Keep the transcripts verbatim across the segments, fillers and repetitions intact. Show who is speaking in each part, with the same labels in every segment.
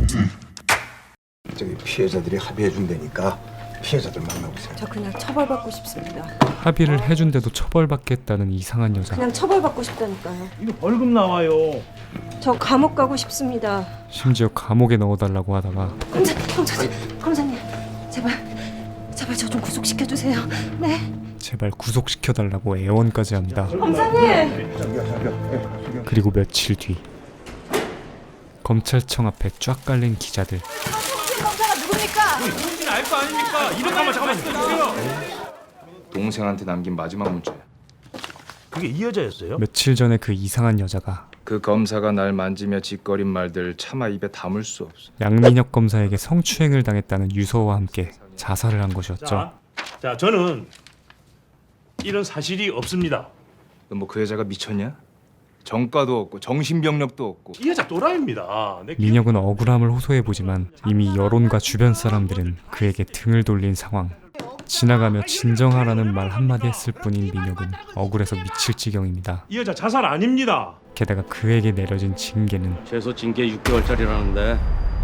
Speaker 1: 저기 피해자들이 합의해 준다니까 피해자들 만나보세요.
Speaker 2: 저 그냥 처벌받고 싶습니다.
Speaker 3: 합의를 해준데도 처벌받겠다는 이상한 여자.
Speaker 2: 그냥 처벌받고 싶다니까요.
Speaker 4: 이거 벌금 나와요.
Speaker 2: 저 감옥 가고 싶습니다.
Speaker 3: 심지어 감옥에 넣어달라고 하다가
Speaker 2: 검사, 검사님, 검사님, 제발, 제발 저 좀 구속시켜 주세요. 네,
Speaker 3: 제발 구속시켜달라고 애원까지 합니다.
Speaker 2: 검사님.
Speaker 3: 그리고 며칠 뒤 검찰청 앞에 쫙 깔린 기자들.
Speaker 2: 검사가 누굽니까?
Speaker 4: 누군지는 알 거 아닙니까? 이런 잠깐만 잠깐만 주세요.
Speaker 5: 동생한테 남긴 마지막 문자야.
Speaker 4: 그게 이 여자였어요?
Speaker 3: 며칠 전에 그 이상한 여자가
Speaker 5: 그 검사가 날 만지며 짓거린 말들 차마 입에 담을 수 없어.
Speaker 3: 양민혁 검사에게 성추행을 당했다는 유서와 함께 자살을 한 것이었죠.
Speaker 4: 자, 자 저는 이런 사실이 없습니다.
Speaker 5: 너 뭐 그 여자가 미쳤냐? 정가도 없고 정신병력도 없고.
Speaker 4: 이 여자 또라이입니다. 내
Speaker 3: 민혁은 억울함을 호소해보지만 이미 여론과 주변 사람들은 그에게 등을 돌린 상황. 지나가며 진정하라는 말 한마디 했을 뿐인 민혁은 억울해서 미칠 지경입니다.
Speaker 4: 이 여자 자살 아닙니다.
Speaker 3: 게다가 그에게 내려진 징계는
Speaker 6: 최소 징계 육 개월짜리라는데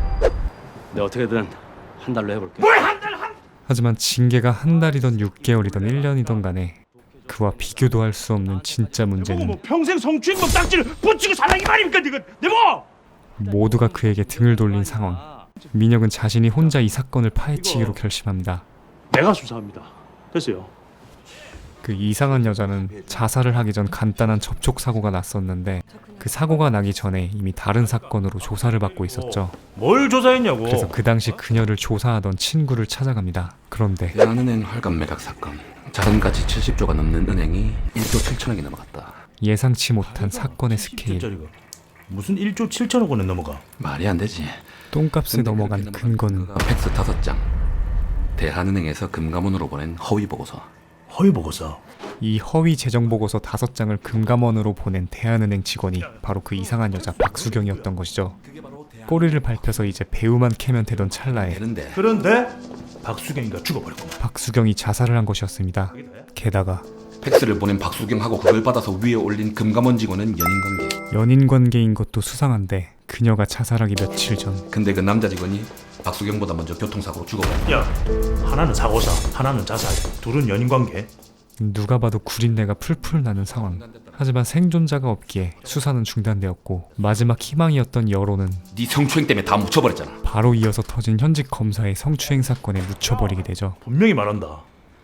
Speaker 6: 내가 어떻게든 한 달로 해볼게.
Speaker 3: 하지만 징계가 한 달이던 육 개월이던 일 년이던 간에 그와 비교도 할 수 없는 진짜
Speaker 4: 내보고
Speaker 3: 문제는
Speaker 4: 뭐 평생 성추행범 딱지를 붙이고 살라기 말입니까? 이거 내보.
Speaker 3: 모두가 그에게 등을 돌린 상황. 민혁은 자신이 혼자 이 사건을 파헤치기로 결심합니다.
Speaker 4: 내가 수사합니다. 됐어요.
Speaker 3: 그 이상한 여자는 자살을 하기 전 간단한 접촉 사고가 났었는데 그 사고가 나기 전에 이미 다른 사건으로 조사를 받고 있었죠.
Speaker 4: 뭘 조사했냐고.
Speaker 3: 그래서 그 당시 그녀를 조사하던 친구를 찾아갑니다. 그런데
Speaker 7: 대한은행 활감 매각 사건. 자산가치 칠십조가 넘는 은행이 일조 칠천억이 넘어갔다.
Speaker 3: 예상치 못한 사건의 스케일.
Speaker 4: 짜리가 무슨 일조 칠천억 원에 넘어가?
Speaker 7: 말이 안 되지.
Speaker 3: 똥값에 넘어간 근거는
Speaker 7: 팩스 다섯 장. 대한은행에서 금감원으로 보낸 허위 보고서.
Speaker 4: 허위 보고서.
Speaker 3: 이 허위 재정 보고서 다섯 장을 금감원으로 보낸 대한은행 직원이 바로 그 이상한 여자 박수경이었던 것이죠. 꼬리를 밟혀서 이제 배우만 캐면 되던 찰나에
Speaker 7: 되는데
Speaker 4: 그런데 박수경이가 죽어버렸고.
Speaker 3: 박수경이 자살을 한 것이었습니다. 게다가
Speaker 7: 팩스를 보낸 박수경하고 그걸 받아서 위에 올린 금감원 직원은 연인관계.
Speaker 3: 연인 관계인 것도 수상한데 그녀가 자살하기 며칠 전
Speaker 7: 근데 그 남자 직원이 박수경보다 먼저 교통사고로 죽어버렸다.
Speaker 4: 야, 하나는 사고사, 하나는 자살, 둘은 연인관계.
Speaker 3: 누가 봐도 구린내가 풀풀 나는 상황. 하지만 생존자가 없기에 수사는 중단되었고 마지막 희망이었던 여론은
Speaker 7: 네 성추행 때문에 다 묻혀버렸잖아.
Speaker 3: 바로 이어서 터진 현직 검사의 성추행 사건에 묻혀버리게 되죠.
Speaker 4: 분명히 말한다.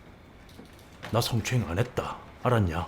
Speaker 4: 나 성추행 안 했다. 알았냐?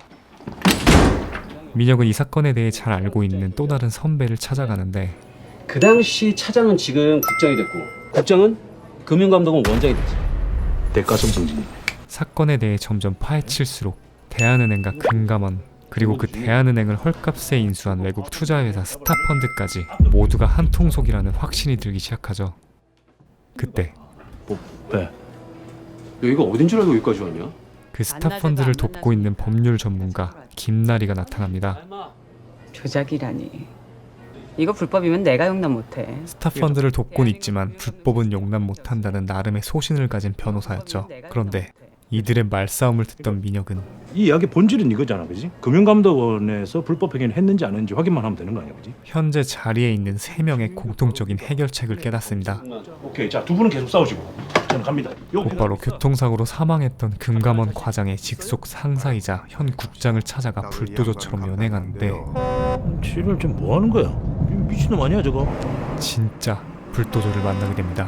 Speaker 3: 민혁은 이 사건에 대해 잘 알고 있는 또 다른 선배를 찾아가는데
Speaker 6: 그 당시 차장은 지금 국장이 됐고 국장은 금융감독은 원장이 됐지.
Speaker 4: 대가성 정진.
Speaker 3: 사건에 대해 점점 파헤칠수록 대한은행과 금감원 그리고 그 대한은행을 헐값에 인수한 외국 투자회사 스타펀드까지 모두가 한 통속이라는 확신이 들기 시작하죠. 그때
Speaker 4: 뭐, 왜?
Speaker 6: 여기가 어딘 줄 알고 여기까지 왔냐?
Speaker 3: 그 스타펀드를 돕고 있는 법률 전문가 김나리가 나타납니다.
Speaker 8: 조작이라니. 이거 불법이면 내가 용납 못해.
Speaker 3: 스타펀드를 돕곤 있지만 불법은 용납 못한다는 나름의 소신을 가진 변호사였죠. 그런데 이들의 말싸움을 듣던 민혁은
Speaker 4: 이 이야기 본질은 이거잖아, 그지? 금융감독원에서 불법 행위를 했는지 안 했는지 확인만 하면 되는 거 아니야, 그지?
Speaker 3: 현재 자리에 있는 세 명의 공통적인 해결책을 깨닫습니다.
Speaker 4: 오케이, 자 두 분은 계속 싸우시고 저는 갑니다. 요
Speaker 3: 곧바로 교통사고로 사망했던 금감원 과장의 직속 상사이자 현 국장을 찾아가 불도저처럼 연행하는데
Speaker 4: 지를 좀 뭐 하는 거야? 미친놈 아니야 저거?
Speaker 3: 진짜 불도저를 만나게 됩니다.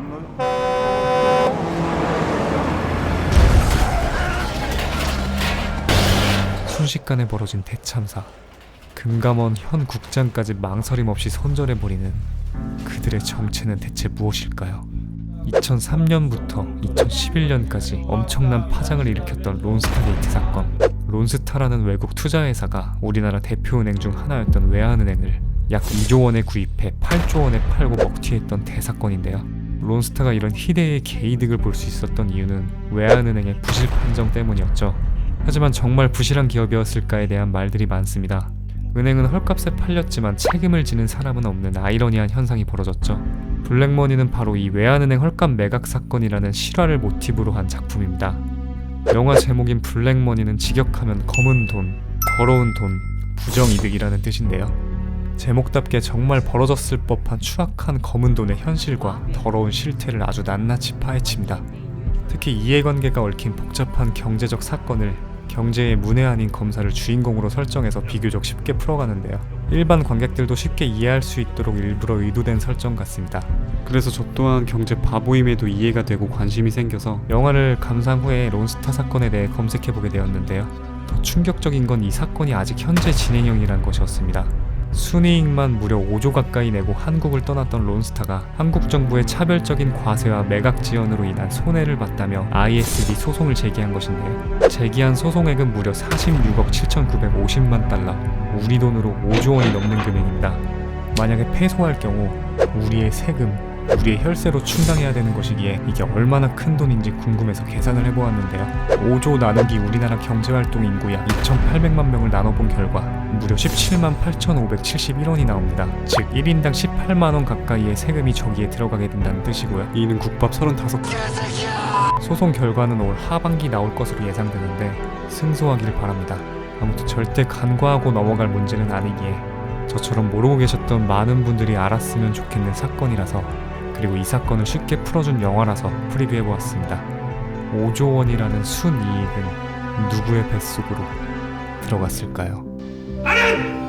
Speaker 3: 순식간에 벌어진 대참사. 금감원 현 국장까지 망설임 없이 선전해버리는 그들의 정체는 대체 무엇일까요? 이천삼 년부터 이천십일 년까지 엄청난 파장을 일으켰던 론스타게이트 사건. 론스타라는 외국 투자회사가 우리나라 대표은행 중 하나였던 외환은행을 약 이조 원에 구입해 팔조 원에 팔고 먹튀했던 대사건인데요. 론스타가 이런 희대의 개이득을 볼 수 있었던 이유는 외환은행의 부실 판정 때문이었죠. 하지만 정말 부실한 기업이었을까에 대한 말들이 많습니다. 은행은 헐값에 팔렸지만 책임을 지는 사람은 없는 아이러니한 현상이 벌어졌죠. 블랙머니는 바로 이 외환은행 헐값 매각 사건이라는 실화를 모티브로 한 작품입니다. 영화 제목인 블랙머니는 직역하면 검은 돈, 더러운 돈, 부정이득이라는 뜻인데요. 제목답게 정말 벌어졌을 법한 추악한 검은 돈의 현실과 더러운 실태를 아주 낱낱이 파헤칩니다. 특히 이해관계가 얽힌 복잡한 경제적 사건을 경제의 문외한인 검사를 주인공으로 설정해서 비교적 쉽게 풀어가는데요. 일반 관객들도 쉽게 이해할 수 있도록 일부러 의도된 설정 같습니다. 그래서 저 또한 경제 바보임에도 이해가 되고 관심이 생겨서 영화를 감상 후에 론스타 사건에 대해 검색해보게 되었는데요. 더 충격적인 건 이 사건이 아직 현재 진행형이란 것이었습니다. 순이익만 무려 오조 가까이 내고 한국을 떠났던 론스타가 한국 정부의 차별적인 과세와 매각 지원으로 인한 손해를 봤다며 아이에스비 소송을 제기한 것인데요. 제기한 소송액은 무려 사십육억 칠천구백오십만 달러, 우리 돈으로 오조 원이 넘는 금액입니다. 만약에 패소할 경우 우리의 세금, 우리의 혈세로 충당해야 되는 것이기에 이게 얼마나 큰 돈인지 궁금해서 계산을 해보았는데요. 오조 나누기 우리나라 경제활동 인구 약 이천팔백만 명을 나눠본 결과 무려 십칠만 팔천오백칠십일 원이 나옵니다. 즉 일 인당 십팔만 원 가까이의 세금이 저기에 들어가게 된다는 뜻이고요. 이는 국밥 서른다섯 개. 소송 결과는 올 하반기 나올 것으로 예상되는데 승소하길 바랍니다. 아무튼 절대 간과하고 넘어갈 문제는 아니기에 저처럼 모르고 계셨던 많은 분들이 알았으면 좋겠는 사건이라서, 그리고 이 사건을 쉽게 풀어준 영화라서 프리뷰해보았습니다. 오조 원이라는 순이익은 누구의 뱃속으로 들어갔을까요?